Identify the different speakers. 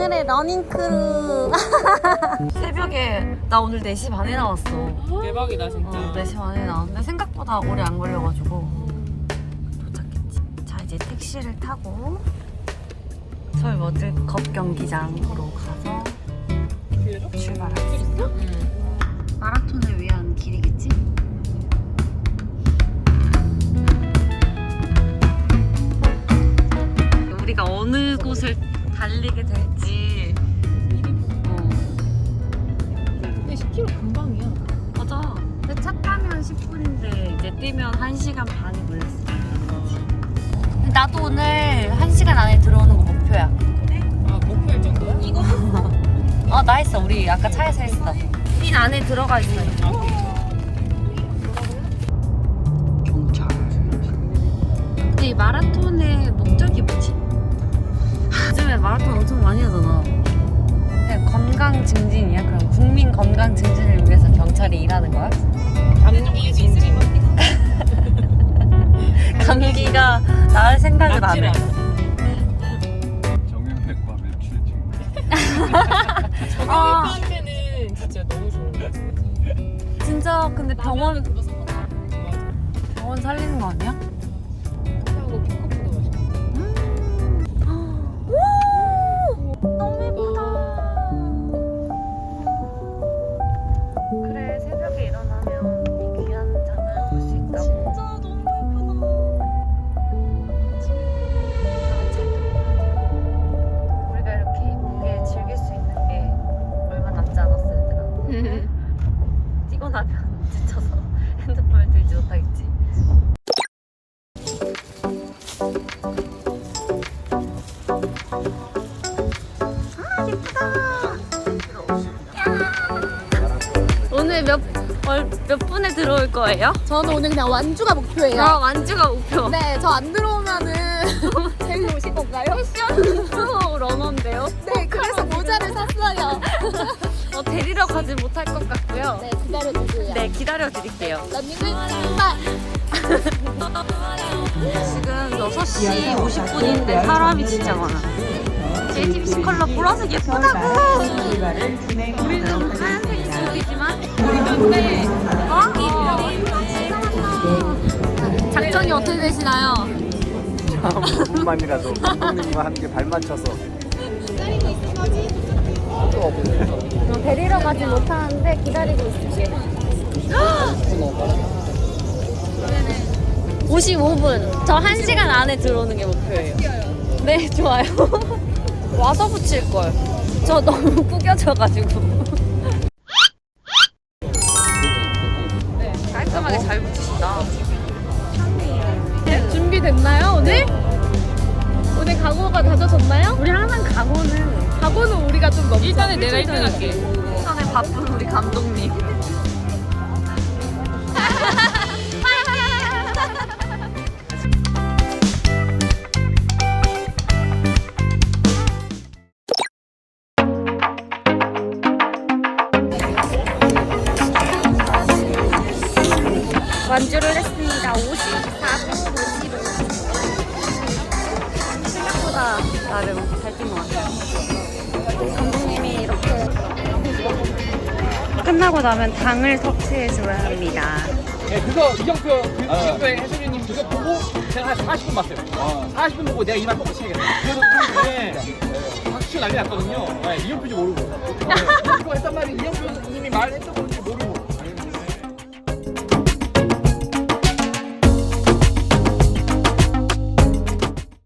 Speaker 1: 오늘의 러닝크루. 새벽에 나 오늘 4시 반에 나왔어.
Speaker 2: 대박이다 진짜.
Speaker 1: 4시 반에 나왔는데 생각보다 오래 안 걸려가지고 도착했지. 자, 이제 택시를 타고 서울 워드컵 경기장으로 가서 출발하겠습니다. 마라톤을 위한 길이겠지? 우리가 어느 곳을 달리게 될지.
Speaker 2: 근데 10km 금방이야.
Speaker 1: 맞아. 근데 차 타면 10분인데 이제 뛰면 1시간 반이 걸렸어. 나도 오늘 1시간 안에 들어오는 거 목표야.
Speaker 2: 아 목표일 정도야? 이거?
Speaker 1: 나 했어. 우리 아까 차에서 했어. 핀 안에 들어가 있어요. 경찰. 근데 이 마라톤의 목적이 뭐지? 요즘에 마라톤 엄청 많이 하잖아. 그냥 건강 증진이야? 그럼 국민 건강 증진을 위해서 경찰이 일하는 거야?
Speaker 2: 감기 진지.
Speaker 1: 감기가 나을 생각을 안 해.
Speaker 3: 정형외과 매출증.
Speaker 2: 정형외과한테는 진짜 너무 좋은 거지.
Speaker 1: 진짜 근데 병원
Speaker 2: 맞아.
Speaker 1: 살리는 거 아니야?
Speaker 2: 하고 킹커프도 맛있고.
Speaker 1: 너무 예쁘다. 그래, 새벽에 일어나면 이 귀한 장을 볼 수 있다고. 진짜 너무 예쁘다. 우리가 이렇게 예쁘게 즐길 수 있는 게 얼마 남지 않았어, 얘들아. 뛰고 나면 지쳐서 핸드폰을 들지 못하겠지. 오늘 몇 분에 들어올 거예요?
Speaker 4: 저는 오늘 그냥 완주가 목표예요.
Speaker 1: 완주가 목표.
Speaker 4: 네, 저 안 들어오면은 데리러 오실 건가요?
Speaker 1: 패션 프로 러너인데요?
Speaker 4: 네, 그래서 모자를 샀어요.
Speaker 1: 데리러 가지 못할 것 같고요.
Speaker 4: 네, 기다려주세요.
Speaker 1: 네, 기다려드릴게요.
Speaker 4: 런닝을 출발!
Speaker 1: 지금 6시 50분인데 사람이 진짜 많아. JTBC 컬러 보라색 예쁘다고! 우리는 하얀색이 보이지만 작전이 어떻게 되시나요?
Speaker 3: 조금만이라도 감독님과 함께 발 맞춰서.
Speaker 1: 데리러 가지 못하는데 기다리고 있을게. 55분. 저 1시간 안에 들어오는 게 목표예요. 네, 좋아요. 와서 붙일걸. 저 너무 구겨져가지고. 네, 깔끔하게 잘 붙이신다.
Speaker 4: 준비됐나요, 오늘? 오늘 각오가 다져졌나요?
Speaker 1: 우리 항상
Speaker 4: 각오는 우리가 좀 넘죠.
Speaker 2: 일단은 내가 1등 할게.
Speaker 1: 일단에 바쁜 우리 감독님. 완주를 했습니다. 54분 55. 생각보다 나름 잘 뛴 것 같아요. 감독님이 이렇게 끝나고 나면 당을 섭취해줘야 합니다.
Speaker 5: 네, 그거 이정표 지금의 해수리님 그거 보고 제가 한 40분 봤어요. 40분 보고 내가 이만 뽑고 치야겠다. 그래서 그때 박수 난리 났거든요. 네, 이정표인지 모르고. 이거 했단 말이지.